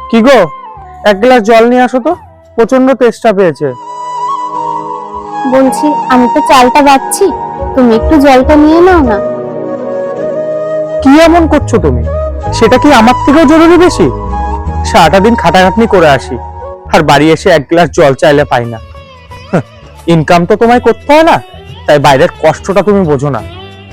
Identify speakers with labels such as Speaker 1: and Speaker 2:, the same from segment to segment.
Speaker 1: কি গো, এক গ্লাস জল নিয়ে আসো তো, প্রচন্ড তেষ্টা পেয়েছে।
Speaker 2: বলছি আমি তো চালটা বাচ্ছি, তুমি একটু জলটা নিয়ে নাও না।
Speaker 1: কি এমন করছো তুমি? সেটা কি আমার থেকেও জরুরি বেশি? সারাটা দিন খাটাখাটনি করে আসি, আর বাড়ি এসে এক গ্লাস জল চাইলে পাই না। ইনকাম তো তোমায় করতে হয় না, তাই বাইরের কষ্টটা তুমি বোঝো না।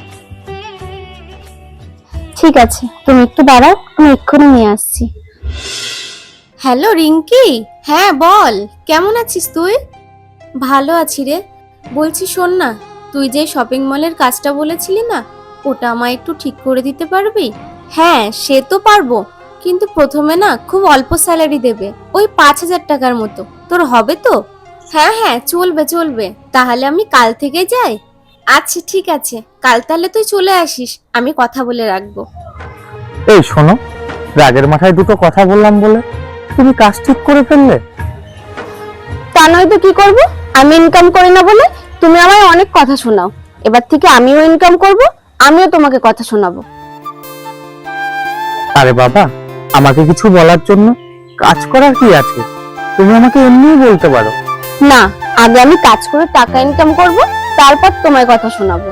Speaker 2: ঠিক আছে, তুমি একটু দাঁড়াও, আমি এক্ষুনি নিয়ে আসছি।
Speaker 3: হ্যালো রিঙ্কি, হ্যাঁ বল, কেমন আছিস তুই? ভালো আছি রে। বলছি শোন না, তুই যে শপিং মলের কাজটা বলেছিলি না, ওটা আমায় একটু ঠিক করে দিতে পারবি? হ্যাঁ সে তো পারবো, কিন্তু প্রথমে না খুব অল্প স্যালারি দেবে, ওই 5,000 টাকার মতো। তোর হবে তো? হ্যাঁ হ্যাঁ চলবে চলবে, তাহলে আমি কাল থেকে যাই। আচ্ছা ঠিক আছে, কাল তাহলে তুই চলে আসিস, আমি কথা বলে রাখবো।
Speaker 1: এই শোনো, রাগের মাথায় দুটো কথা বললাম বলে তুমি কাজ ঠিক করে ফেললে।
Speaker 2: তা নয় তো কি করব? আমি ইনকাম করি না বলে তুমি আমায় অনেক কথা শোনাও। এবার থেকে আমিও ইনকাম করব, আমিও তোমাকে কথা শোনাবো।
Speaker 1: আরে বাবা, আমাকে কিছু বলার জন্য কাজ করার কি আছে? তুমি আমাকে এমনিই বলতে পারো।
Speaker 2: না, আগে আমি কাজ করে টাকা ইনকাম করব, তারপর তোমায় কথা শোনাবো।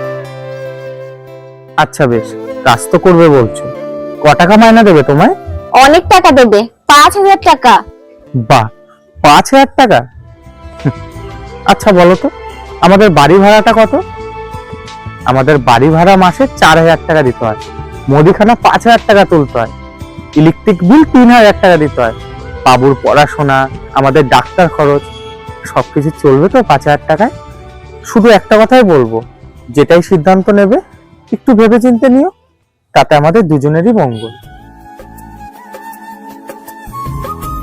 Speaker 1: আচ্ছা বেশ, কাজ তো করবে বলছো, ক টাকা মাইনা দেবে তোমায়?
Speaker 2: অনেক টাকা দেবে, 5,000 টাকা।
Speaker 1: বাহ, 5,000 টাকা? আচ্ছা বলো তো, আমাদের বাড়ি ভাড়াটা কত? আমাদের বাড়ি ভাড়া মাসে 4,000 টাকা দিতে হয়, মুদিখানা 5,000 টাকা তুলতে হয়, ইলেকট্রিক বিল 3,000 টাকা দিতে হয়, বাবুর পড়াশোনা, আমাদের ডাক্তার খরচ, সবকিছু চলবে তো 5,000 টাকায়? শুধু একটা কথাই বলবো, যেটাই সিদ্ধান্ত নেবে একটু ভেবেচিন্তে নিও, তাতে আমাদের দুজনেরই মঙ্গল।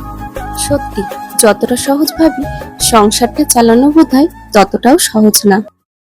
Speaker 3: সত্যি, যতটা সহজ ভাবি সংসারটা চালানো বোধহয় ততটাও সহজ না।